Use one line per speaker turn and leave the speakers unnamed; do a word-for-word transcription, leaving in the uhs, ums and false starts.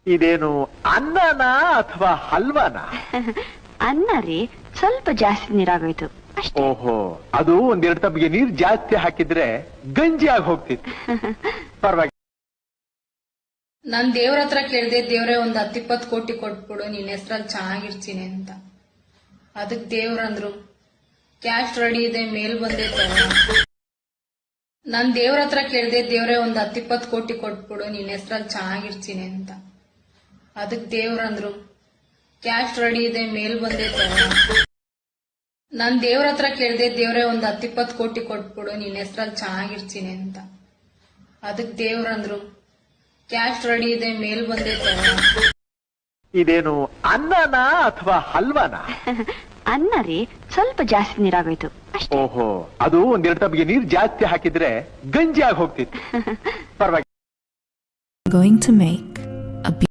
ಇದೇನು ಅನ್ನನಾ ಅಥವಾ ಹಲ್ವಾನಾ?
ಅನ್ನ ರೀ, ಸ್ವಲ್ಪ ಜಾಸ್ತಿ ನೀರಾಗೋಯ್ತು ಅಷ್ಟೇ.
ಓಹೋ, ಅದು ಒಂದೆರಡು ತಪ್ಪಿಗೆ ನೀರ್ ಜಾಸ್ತಿ ಹಾಕಿದ್ರೆ ಗಂಜಿ ಆಗಿ ಹೋಗ್ತಿತ್ತು. ಪರವಾಗಿ
ನಾನ್ ದೇವ್ರ ಹತ್ರ ಕೇಳ್ದೆ, ದೇವ್ರೆ ಒಂದ್ ಹತ್ತಿಪ್ಪತ್ ಕೋಟಿ ಕೊಟ್ಬಿಡು, ನಿನ್ ಹೆಸ್ರಲ್ಲಿ ಚೆನ್ನಾಗಿರ್ತೀನಿ ಅಂತ. ಅದಕ್ ದೇವ್ರಂದ್ರು, ಕ್ಯಾಶ್ ರೆಡಿ ಇದೆ, ಮೇಲ್ ಬಂದೆ ತಗೋ. ನಾನ್ ದೇವ್ರ ಹತ್ರ ಕೇಳ್ದೆ, ದೇವ್ರೆ ಒಂದ್ ಹತ್ತಿಪ್ಪತ್ ಕೋಟಿ ಕೊಟ್ಬಿಡು, ನಿನ್ ಹೆಸ್ರಲ್ಲಿ ಚೆನ್ನಾಗಿರ್ತೀನಿ ಅಂತ. ಅದಕ್ ದೇವ್ರಂದ್ರು, ಕ್ಯಾಶ್ ರೆಡಿ ಇದೆ, ಮೇಲ್ ಬಂದೆ ತಗೋ. ನಾನ್ ದೇವ್ರ ಹತ್ರ ಕೇಳ್ದೆ, ದೇವ್ರೆ ಒಂದ್ ಹತ್ತಿಪ್ಪತ್ ಕೋಟಿ ಕೊಟ್ಬಿಡು, ನಿನ್ ಹೆಸ್ರಲ್ಲಿ ಚೆನ್ನಾಗಿರ್ತೀನಿ ಅಂತ. ಅದಕ್ ದೇವ್ರಂದ್ರು, ಕ್ಯಾಶ್ ರೆಡಿ ಇದೆ, ಮೇಲ್ ಬಂದೆ ತಗೋ.
ಇದೇನು ಅನ್ನನಾ ಅಥವಾ ಹಲ್ವಾನಾ?
ಅನ್ನ ರೀ, ಸ್ವಲ್ಪ ಜಾಸ್ತಿ ನೀರಾಗೋಯ್ತು ಅಷ್ಟೇ.
ಓಹೋ, ಅದು ಒಂದೆರಡು ತಪ್ಪಿಗೆ ನೀರ್ ಜಾಸ್ತಿ ಹಾಕಿದ್ರೆ ಗಂಜಿ ಆಗಿ ಹೋಗ್ತಿತ್ತು. ಪರವಾಗಿ
Going to make a